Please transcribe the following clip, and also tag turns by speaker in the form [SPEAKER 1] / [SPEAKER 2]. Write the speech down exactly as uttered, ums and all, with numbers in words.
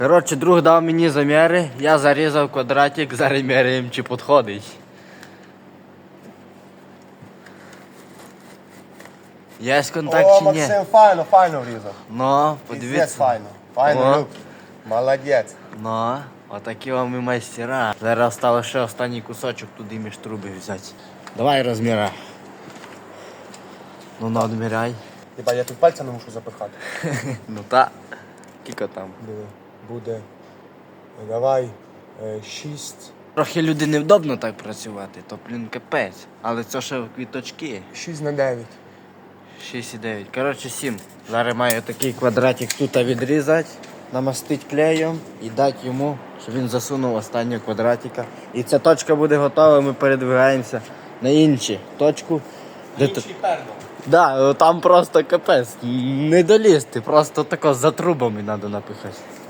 [SPEAKER 1] Коротше, друг дав мені заміри, я зарізав квадратик, зараз міряємо, чи підходить. Є контакт
[SPEAKER 2] О,
[SPEAKER 1] чи ні?
[SPEAKER 2] Максим, файно, файно врізав.
[SPEAKER 1] Ну,
[SPEAKER 2] Піздець
[SPEAKER 1] подивіться.
[SPEAKER 2] файно. Файно,
[SPEAKER 1] О.
[SPEAKER 2] Люк. Молодець.
[SPEAKER 1] Ну, отакі вам і майстера. Зараз стало ще останній кусочок туди між труби взяти. Давай розміряй. Ну, ну, одміряй.
[SPEAKER 2] Хіба я тут пальця не мушу запихати.
[SPEAKER 1] Ну та. Кілько там.
[SPEAKER 2] Диви, буде. Давай. е, Шість.
[SPEAKER 1] Трохи люди невдобно так працювати, то, блін, капець. Але це ще квіточки.
[SPEAKER 2] Шість на дев'ять.
[SPEAKER 1] шість і дев'ять. Коротше, сім. Зараз маю такий квадратик тут відрізати, намастити клеєм і дати йому, щоб він засунув останнього квадратика. І ця точка буде готова, ми передвигаємося на іншу точку. Де т-
[SPEAKER 2] перно.
[SPEAKER 1] Да, там просто капець. Не долізти, просто тако за трубами треба напихати.